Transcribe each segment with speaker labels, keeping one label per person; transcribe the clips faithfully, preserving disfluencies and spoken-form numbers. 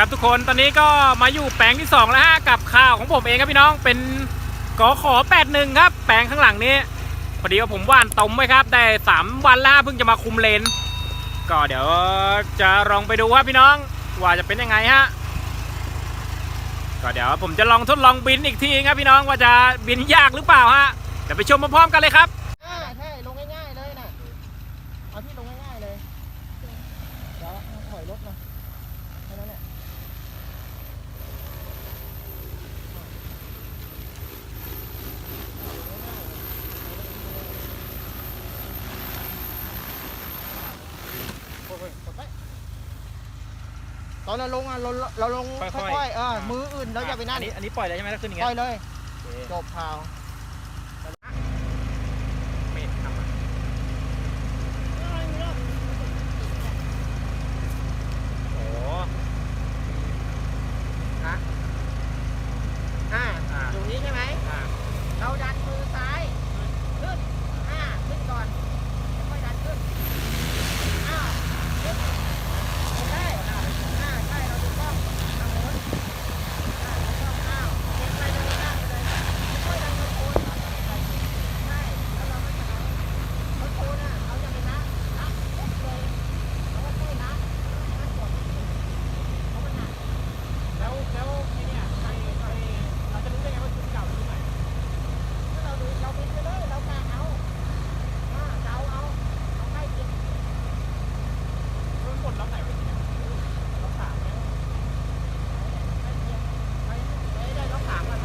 Speaker 1: ครับทุกคนตอนนี้ก็มาอยู่แปลงที่สองแล้วฮะกับข้าวของผมเองครับพี่น้องเป็นกอขอแปดหนึ่งครับแปลงข้างหลังนี้พอดีว่าผมหว่านต้มไว้ครับได้สามวันแล้วเพิ่งจะมาคุมเลนก็เดี๋ยวจะลองไปดูว่าพี่น้องว่าจะเป็นยังไงฮะก็เดี๋ยวผมจะลองทดลองบินอีกทีครับพี่น้องว่าจะบินยากหรือเปล่าฮะเดี๋ยวไปชมพร้อมๆกันเลยครับ
Speaker 2: ใช่ลงง่ายๆเลยนะเอาที่ลงง่ายๆเลยเดี๋ยวถอยรถมาแค่นั้นแหละตอนเราลงอ่ะเราเราลงค่อยๆเออมืออื่นเราอย่าไปนั่น
Speaker 1: อันนี้ปล่อยเลยใช่ไหมถ้าขึ้นอย่างเงี้ย
Speaker 2: ปล่อยเลยจบข่าว
Speaker 1: ไม่ทำอ่ะโอ้
Speaker 2: ฮะอ่าอยู่นี้ใช่ไหมเราดันมือซ้ายขึ้นอ่าขึ้นก่อนค่อยดันขึ้นอ้าวขึ้นใช่อ่าใช่เราถูกต้องทางโน้นอ่าถูกต้องอ้าวเก็บไปตรงนี้ได้เลยค่อยดันมือโคนใช่แล้วเราไม่จะเอาเขาโคนอ่ะเราจะไปนะนะปุ๊บเลยเราก็ค่อยนะนะกดเพราะมันหนัก
Speaker 1: แล้วแล้วไอ้เนี่ยใครใครเราจะรู้ได้ไงว่าชุดเก่าหรือใหม่
Speaker 2: ถ้าเราดูเราบินไปเลยเรากะเอาอ่าเดาเอาเอาใกล้เคียง
Speaker 1: มันหมดล็อกไหนไปเนี่ยล็อกสามไหม
Speaker 2: ใกล้เคียงไปไปได้ล็อกสามก่อน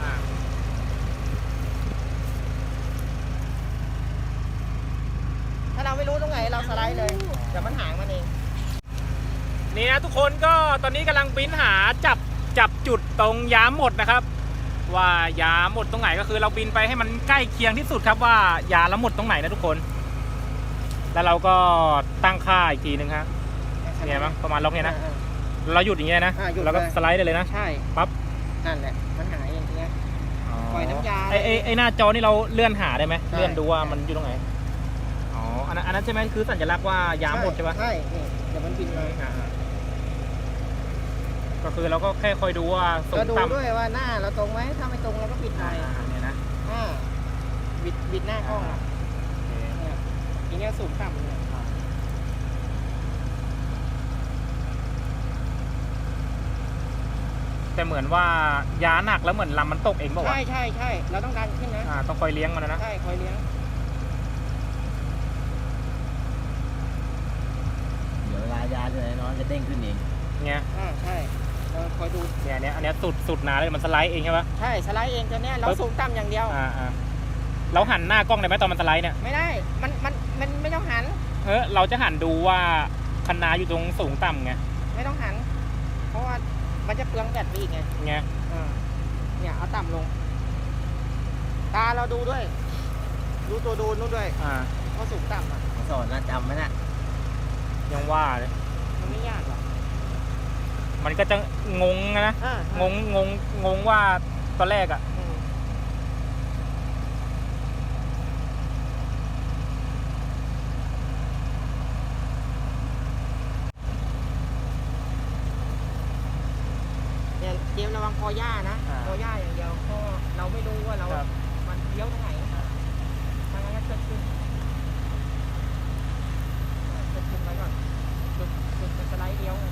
Speaker 2: ถ้าเราไม่รู้ตรงไหนเราสไลด์เลยเดี๋ยวมันหางมันเอง
Speaker 1: นี่นะทุกคนก็ตอนนี้กำลังบินหาจับจับจุดตรงยามหมดนะครับว่ายาหมดตรงไหนก็คือเราบินไปให้มันใกล้เคียงที่สุดครับว่ายาละหมดตรงไหนนะทุกคนแล้วเราก็ตั้งค่าอีกทีนึงครับเนี่ยมั้งประมาณล็อกเนี่ยนะเราหยุดอย่างเงี้ยนะเราก็สไลด์ได้เลยนะ
Speaker 2: ใช่
Speaker 1: ปั๊บ
Speaker 2: นั่นแหละมันหายอย่างเงี้ยปล่อยน้ำยา
Speaker 1: ไอไอไอหน้าจอนี่เราเลื่อนหาได้ไหมเลื่อนดูว่ามันอยู่ตรงไหนอ๋ออันนั้นอันนั้นใช่ไหมคือสัญลักษณ์ว่ายาหมดใช่ปะ
Speaker 2: ใช่นี่เดี๋ยวมันบินเลย
Speaker 1: ก็คือเราก็แค่คอยดูว่าสูง
Speaker 2: ต่ำก็ดูด้วยว่าหน้าเราตรงไหมถ้าไม่ตรงเราก็บิดหน่อย
Speaker 1: เนี่ยนะ
Speaker 2: อ่าบิดบิดหน้ากล้องเนี่ยทีนี้สูงต่ำเนี่ย
Speaker 1: แต่เหมือนว่ายาหนักแล้วเหมือนลำมันตกเองป่าวะ
Speaker 2: ใช่ใช่ใช่เราต้องดันขึ้นนะ
Speaker 1: อ่าต้องคอยเลี้ยงมันนะ
Speaker 2: ใช่คอยเลี้ยง
Speaker 3: เดี๋ยวเวลายาเลยน้องจะเด้งขึ้นเอง
Speaker 1: ไง
Speaker 2: อ่าใช่เราคอยดู
Speaker 1: เนี่ยเนี้ยอันเนี้ยสุดสุดหนาเลยมันสไลด์เองใช่ปะ
Speaker 2: ใช่สไลด์เองตัวเนี้ยเราสูงต่ำอย่างเดียว
Speaker 1: อ่าอ่าเราหันหน้ากล้องได้ไหมตอนมันสไลด์เนี่ย
Speaker 2: ไม่ได้มันมันมันไม่ต้องหัน
Speaker 1: เฮ้ยเราจะหันดูว่าคันนาอยู่ตรงสูงต่ำไง
Speaker 2: ไม่ต้องหันเพราะว่ามันจะเปลืองแบตไปอีกไง
Speaker 1: ไง
Speaker 2: เนี่ยเอาต่ำลงตาเราดูด้วยดูตัวดูนู่นด้วย
Speaker 1: อ่า
Speaker 2: เขาสูงต่ำอ่ะ
Speaker 3: สอนนะจำไหมนะ
Speaker 1: ยังว่าเลย
Speaker 2: มันไม่ยากหรอก
Speaker 1: มันก็จะงงนะงงงงงงว่าตอนแรกอ่ะ
Speaker 2: เนี่ยเตรียมระวังคอย่านะคอย่าอย่างเดียวเพราะเราไม่รู้ว่าเรามันเลี้ยวตรงไหนทางนั้นก็เกิดขึ้นเกิดขึ้นไว้ก่อนจุดจุดเป็นสไลด์เลี้ยว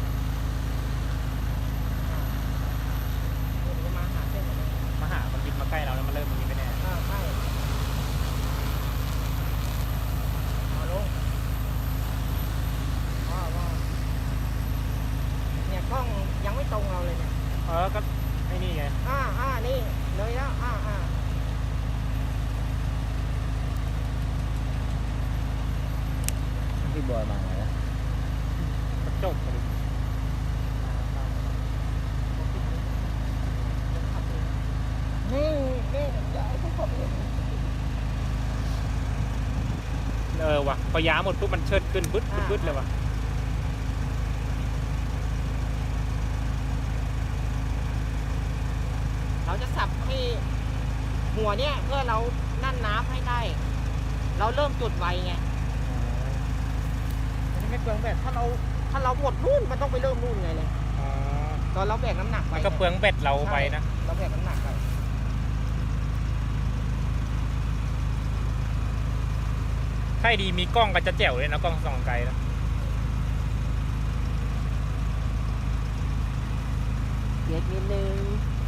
Speaker 2: มาหาเส้นเลย
Speaker 1: มาหามันบินมาใกล้เราแล้วมันเริ่มมันบินไปแน่
Speaker 2: อ่าใช่เอาลงว้าวว้าวเนี่ยกล้องยังไม่ตรงเราเลยเนี่ย
Speaker 1: เออก็ไอ้นี่ไง
Speaker 2: อ่าอ่านี่เลยแล้วอ่าอ่า
Speaker 3: พี่บอยมาไหนนะ
Speaker 1: กระจกเลย
Speaker 2: นี่นี่ย้ายทุกคน
Speaker 1: เออว่ะพอยาหมดปุ๊บมันเชิดขึ้นบึ๊ดบึ๊ดเลยว่ะ
Speaker 2: เราจะสับให้หัวเนี่ยเพื่อเรานั่นน้ำให้ได้เราเริ่มจุดไวไงมันไม่เปลืองแบตถ้าเราถ้าเราหมดนู่นมันต้องไปเริ่มนู่นไงเลยตอนเราแบกน้ำหนักไป
Speaker 1: มันก็เปลืองเบ็ดเราไปนะ
Speaker 2: เราแบกน้ำหนักไป
Speaker 1: ถ้าดีมีกล้องก็จะแจ๋วเลยนะกล้องส่องไกลแล้ว
Speaker 2: เกียร์นิดนึง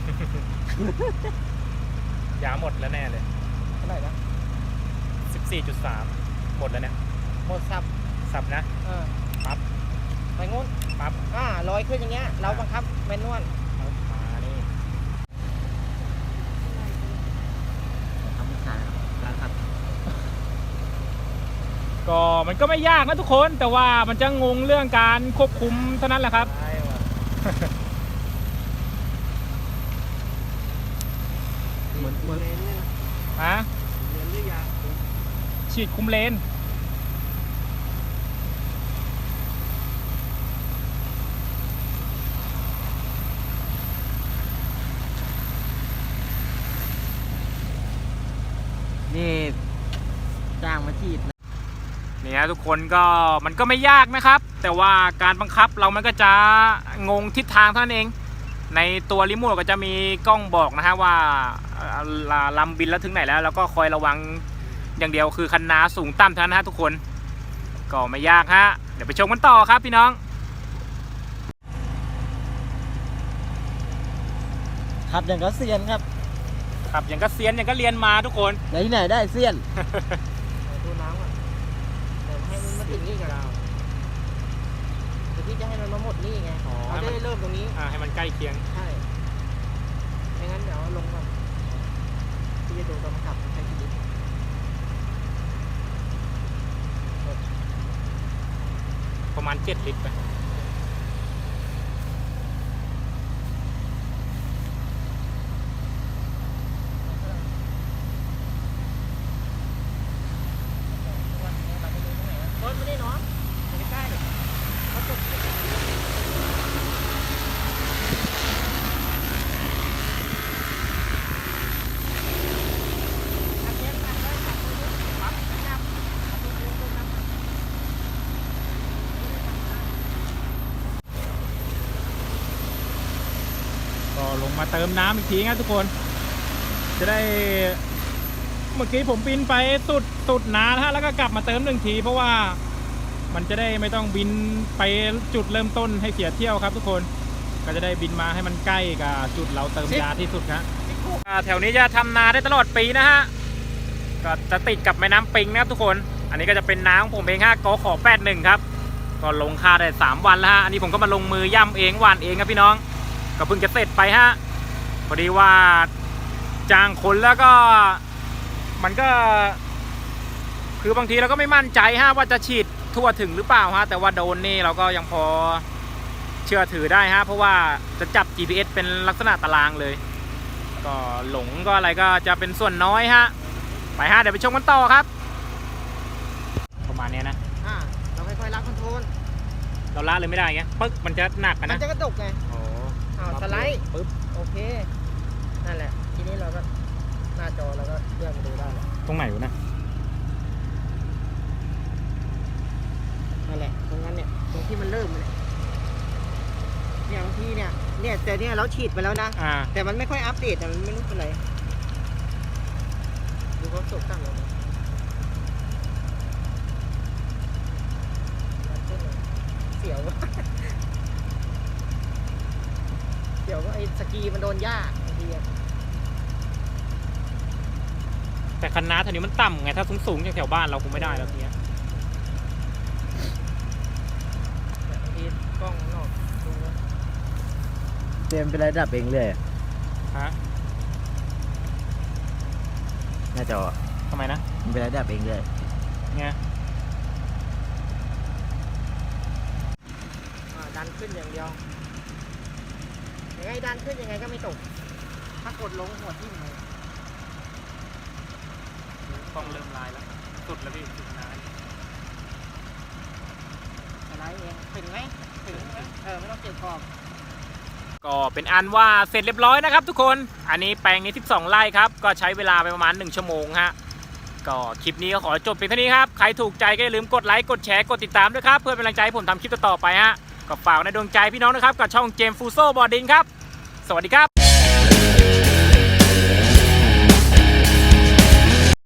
Speaker 1: ยาหมดแล้วแน่เลย
Speaker 2: เท่าไหร่นะ
Speaker 1: สิบสี่จุดสาม หมดแล้วเนี่ย
Speaker 2: หมดสับ
Speaker 1: สับนะ
Speaker 2: เออ
Speaker 1: ปั๊บ
Speaker 2: ไปงุ้น
Speaker 1: ปั๊บ
Speaker 2: อ่าลอยขึ้นอย่างเงี้ยเราบังคับแมนนวล
Speaker 1: เอามานี่
Speaker 3: ทำไม่ขายครับร้านครับ
Speaker 1: ก็มันก็ไม่ยากนะทุกคนแต่ว่ามันจะงงเรื่องการควบคุมเท่านั้นแหละครับ
Speaker 3: ใช่ว่ะเหมือนเหมือน
Speaker 1: ฮะ
Speaker 3: เรียนหรือยัง
Speaker 1: ฉีดคุมเลน
Speaker 3: นี่จ้างมาฉีดนะ
Speaker 1: นี่ฮะทุกคนก็มันก็ไม่ยากนะครับ แต่ว่าการบังคับเรามันก็จะงงทิศทางเท่านั้นเอง ในตัวรีโมทก็จะมีกล้องบอกนะฮะว่าเอ่อลำบินแล้วถึงไหนแล้วแล้วก็คอยระวังอย่างเดียวคือคันนาสูงต่ำเท่านั้นนะฮะทุกคนก็ไม่ยากฮะเดี๋ยวไปชมกันต่อครับพี่น้อง
Speaker 3: ขับอย่างก็เซียนครับ
Speaker 1: ครับอย่างก็เซียนอย่างก็เรียนมาทุกคน
Speaker 3: ไหนที่ไหนได้เซียน
Speaker 2: ดูน้ำอ่ะเดี๋ยวให้มันมาถึงนี่กับเราเดี๋ยวพี่จะให้มันมาหมดนี่ไง
Speaker 1: อ๋อ
Speaker 2: เราจะได้เริ่มตรงนี้
Speaker 1: อ่าให้มันใกล้เคียง
Speaker 2: ใช่ไม่งั้นเดี๋ยวลงก่อนพี่จะดูตอนมันขับใช้ชีวิต
Speaker 1: ประมาณเจ็ดลิตรไป
Speaker 2: รถไม่ได้เนาะไม่ใกล้เขาจบอันนี้ขับได้ขับไปด้วยปั๊บนะครับขับไปดูตรงนั้น
Speaker 1: ก็ลงมาเติมน้ำอีกทีครับทุกคน จะได้เมื่อกี้ผมบินไปสุดสุดนานะฮะแล้วก็กลับมาเติมหนึ่งที เพราะว่ามันจะได้ไม่ต้องบินไปจุดเริ่มต้นให้เสียเที่ยวครับทุกคนก็จะได้บินมาให้มันใกล้กับจุดเราเติมยาที่สุดนะอ่าแถวนี้จะทำนาได้ตลอดปีนะฮะก็จะติดกับแม่น้ำปิงนะครับทุกคน อันนี้ก็จะเป็นน้ำของผมเองฮะกขอแปดหนึ่งครับก็ลงค่าได้สามวันแล้วฮะอันนี้ผมก็มาลงมือย่ำเองหว่านเองครับพี่น้องก็เพิ่งจะเสร็จไปฮะพอดีว่าจ้างคนแล้วก็มันก็คือบางทีเราก็ไม่มั่นใจฮะว่าจะฉีดทั่วถึงหรือเปล่าฮะแต่ว่าโดนนี่เราก็ยังพอเชื่อถือได้ฮะเพราะว่าจะจับ จี พี เอส เป็นลักษณะตารางเลยก็หลงก็อะไรก็จะเป็นส่วนน้อยฮะไปฮะเดี๋ยวไปชมกันต่อครับประมาณนี้นะ
Speaker 2: อ่าเราค่อยๆรับคอนโทรล
Speaker 1: เราละเลยไม่ได้ไงปึ๊กมันจะหนักอะ
Speaker 2: มัน
Speaker 1: นะ
Speaker 2: จะกระดกไง
Speaker 1: โอ้
Speaker 2: อ้าวสไลด์
Speaker 1: ปึ๊บ
Speaker 2: โอเคนั่นแหละทีนี้เราก็หน้าจอเราก็เลื่อนมาดูได้แล้ว
Speaker 1: ตรงไหนวะนะ
Speaker 2: นั่นแหละตรงนั้นเนี่ยตรงที่มันเริ่มเลยเนี่ยบางทีเนี่ยเนี่ยแต่เนี่ยเราฉีดไปแล้วนะ
Speaker 1: อ่า
Speaker 2: แต่มันไม่ค่อยอัปเดตแต่มันไม่รู้เป็นไรดูเขาสดตั้งเลยเสียว เสียวก็ไอ้สกีมันโดนหญ้าบางทีอะ
Speaker 1: แต่คันนาแถวนี้มันต่ำไงถ้าสูงๆอย่างแถวบ้านเราคงไม่ได้แล้วทีเนี้ย
Speaker 2: บางทีกล้องนอกดูนะ
Speaker 3: เตรียมเป็นระดับเองเลยอะ
Speaker 1: ฮะ
Speaker 3: หน้าจออะ
Speaker 1: ทำไมนะ
Speaker 3: มันเป็นระดับเองเลย
Speaker 1: ไง
Speaker 2: อ่าดันขึ้นอย่างเดียวยังไงดันขึ้นยังไงก็ไม่ตก ถ้ากดลงหัวทิ่มเลย
Speaker 1: กล้องเริ่มลายแล้วสุดแล้วพี่สุดนาน
Speaker 2: อะไรเองถึงไหมถึงไหมเออไม่ต้องเก็บขอบ
Speaker 1: ก็เป็นอันว่าเสร็จเรียบร้อยนะครับทุกคนอันนี้แปลงนี้สิบสองไร่ครับก็ใช้เวลาไปประมาณหนึ่งชั่วโมงฮะก็คลิปนี้ก็ขอจบเพียงเท่านี้ครับใครถูกใจก็อย่าลืมกดไลค์กดแชร์กดติดตามด้วยครับเพื่อเป็นกำลังใจให้ผมทำคลิปต่อๆไปฮะก็ฝากในดวงใจพี่น้องนะครับกับช่องเจมส์ฟูโซบอร์ดิงครับสวัสดีครับ